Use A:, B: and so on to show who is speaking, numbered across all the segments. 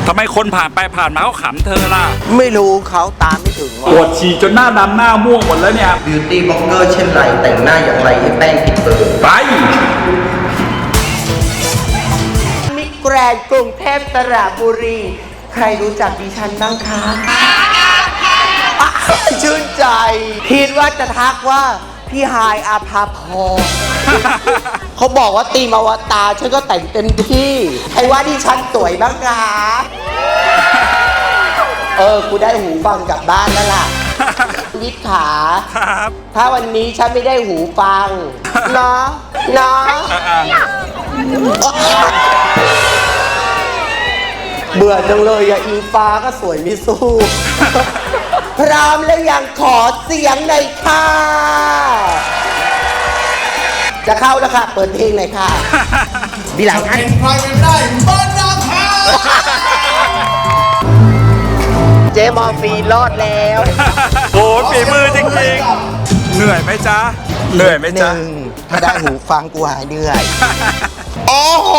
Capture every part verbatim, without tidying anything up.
A: ทำไมคนผ่านไปผ่านมาเขาขำเธอล่ะ
B: ไม่รู้เขาตามไม่ถึง
A: ปวดฉี่จนหน้าดำหน้าม่วงหมดแล้วเนี่ย
B: บิวตี้บล็อกเกอร์เช่นไรแต่งหน้าอย่างไรให้แป้งติดเบอร์
A: ไป
B: มิสแกรนด์กรุงเทพสระบุรีใครรู้จักดิฉันบ้างคะชื่นใจคิดว่าจะทักว่าพี่ฮายอาภาพรเขาบอกว่าตีมอวตารฉันก็แต่งเต็มที่ใครว่าดิฉันสวยบ้างคะเออกูได้หูฟังกลับบ้านแล้วล่ะวิทย์ขา
A: ครับ
B: ถ้าวันนี้ฉันไม่ได้หูฟังเนาะเนาะเบื่อจังเลยอะอิงฟ้าก็สวยไม่สู้พร้อมแล้วยังขอเสียงหน่อยค่ะจะเข้าแล้วค่ะเปิดเพลงหน่อยค่ะมีหลายท่าน
C: ใครเป็นได้บ้านนาคา
B: เจมอฟีรอดแล้ว
A: โอ้ฝีมือจริงๆเหนื่อยไหมจ๊ะเหนื่อยไหมจ๊ะ
B: ถ้าได้หูฟังกูหายเหนื่อย
C: โอ้โห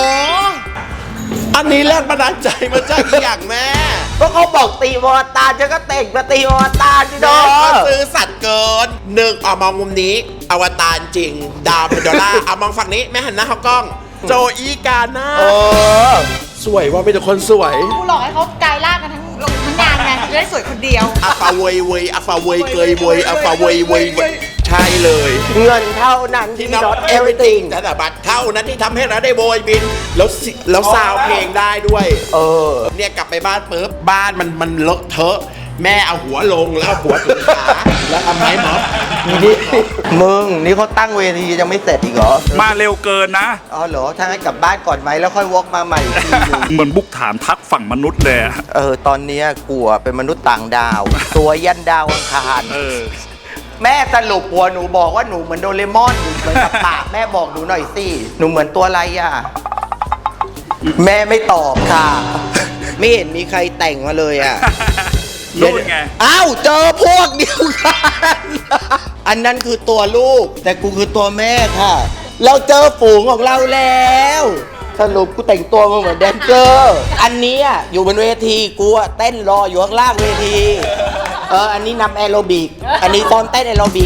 C: อันนี้แรงบันดาลใจมาจากอีอย่างแม่
B: ก็เขาบอกตีมอตารฉันก็เตะมาตีมอตารที่น้อง
C: ก็ซื้อสัตว์เกินหนึ่งเอามองมุมนี้อวตารจริงดาวเป็นดอลลาร์เอามองฝั่งนี้แม่หันหน้าเข้ากล้องโจอีกาหน้าสวยว่าเป็นคนสวย
D: กูหลอกให้เขากลายร่างกันทั้งทั้งงานไงจะได้สวยคนเดียว
C: อัฟาเวยเวยอัฟาเวยเกยเวยอัฟาเวยเวยใช่เลย
B: เงินเท่านั้นที่ not everything
C: แต่บัตรเท่านั้นที่ทำให้เราได้โบยบินแล้วแล้วซาวเพลงได้ด้วยเออเนี่ยกลับไปบ้านปุ๊บบ้านมันมันเลอะเทอะแม่เอาหัวลงแล้วเอาหัวถึงขาแล้วทำไมหมอ
B: นี่มึงนี่เขาตั้งเวทียังไม่เสร็จอีกเหรอ
A: มาเร็วเกินนะ
B: อ๋อเหรอถ้างั้นกลับบ้านก่อนไหมแล้วค่อยวกมาใหม่อีกทีนึง
A: เหมือนบุกฐานทักฝั่งมนุษย์เลย
B: เออตอนนี้กลัวเป็นมนุษย์ต่างดาวตัวยันดาวอังคาร
A: เออ
B: แม่สรุปหัวหนูบอกว่าหนูเหมือนโดเรมอนเหมือนกับปากแม่บอกหนูหน่อยสิหนูเหมือนตัวอะไรอ่ะแม่ไม่ตอบค่ะไม่เห็นมีใครแต่งมาเลยอ่ะ
A: รู้ไง
B: อ้าวเจอพวกเดียวกันอันนั้นคือตัวลูกแต่กูคือตัวแม่ค่ะเราเจอฝูงของเราแล้วสรุปกูแต่งตัวมาเหมือนแดนเซอร์อันนี้อยู่บนเวทีกูเต้นรออยู่ข้างล่างเวทีเอออันนี้นำแอโรบิกอันนี้ตอนเต้นแอโรบิก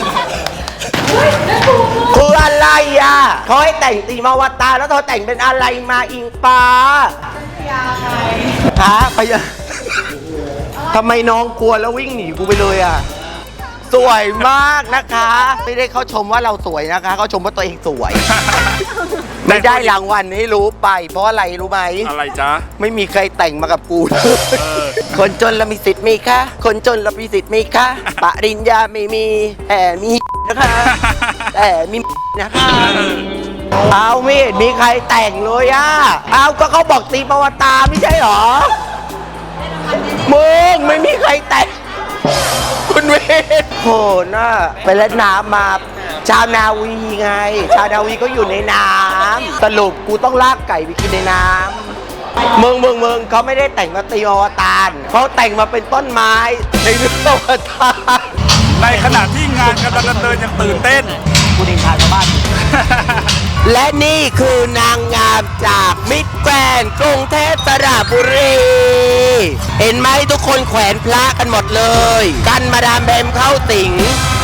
B: คืออะไรอ่ะเขาให้แต่งตีมาวตารแล้วเธอแต่งเป็นอะไรมาอิงฟ้าพยาไงฮะพยาทำไมน้องกลัวแล้ววิ่งหนีกูไปเลยอ่ะสวยมากนะคะไม่ได้เขาชมว่าเราสวยนะคะเขาชมว่าตัวเองสวยไม่ได้รางวัลให้รู้ไปเพราะอะไรรู้ไหม
A: อะไรจ๊ะ
B: ไม่มีใครแต่งมากับกูคนจนเรามีสิทธิ์มีคะคนจนเรามีสิทธิ์มีคะปริญญาไม่มีแต่มีนะคะแต่มีนะคะเอาไม่เห็นมีใครแต่งเลยอ่ะเอาก็เขาบอกตีประวัติตาไม่ใช่หรอมึงไม่มีใครแต่งคุณเวทโหน่ะไปเล่นน้ำมาชาวนาวีไงชาวนาวีก็อยู่ในน้ำสรุปกูต้องลากไก่ไปกินในน้ำมึงมึงมึงเขาไม่ได้แต่งมาตีอวตารเขาแต่งมาเป็นต้นไม้ในเรื่องอวตาร
A: ในขณะที่งานกำลังดำเนินยังตื่นเต้น
B: กูดินทานชาวบ้านและนี่คือนางงามจากมิสแกรนด์กรุงเทพสระบุรีเห็นไหมทุกคนแขวนพระกันหมดเลยกันมาดามแบมเข้าสิง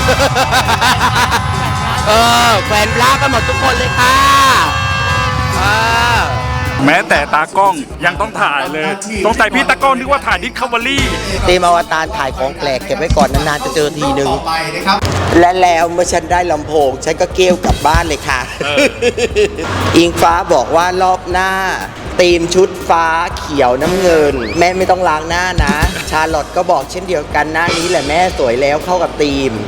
B: เออแขวนพระกันหมดทุกคนเลยค่ะ
A: แม้แต่ตากล้องยังต้องถ่ายเลยสงสัยพี่ตากล้องนึกว่าถ่ายดิสคัฟเวอรี่
B: ตีมอวตารถ่ายของแปลกเก็บไว้ก่อนนานๆจะเจอทีนึงและแล้วเมื่อฉันได้ลำโพงฉันก็เกลี้ยวกลับบ้านเลยค่ะอิงฟ้าบอกว่ารอบหน้าธีมชุดฟ้าเขียวน้ำเงินแม่ไม่ต้องล้างหน้านะชาร์ลอตก็บอกเช่นเดียวกันหน้านี้แหละแม่สวยแล้วเข้ากับธีม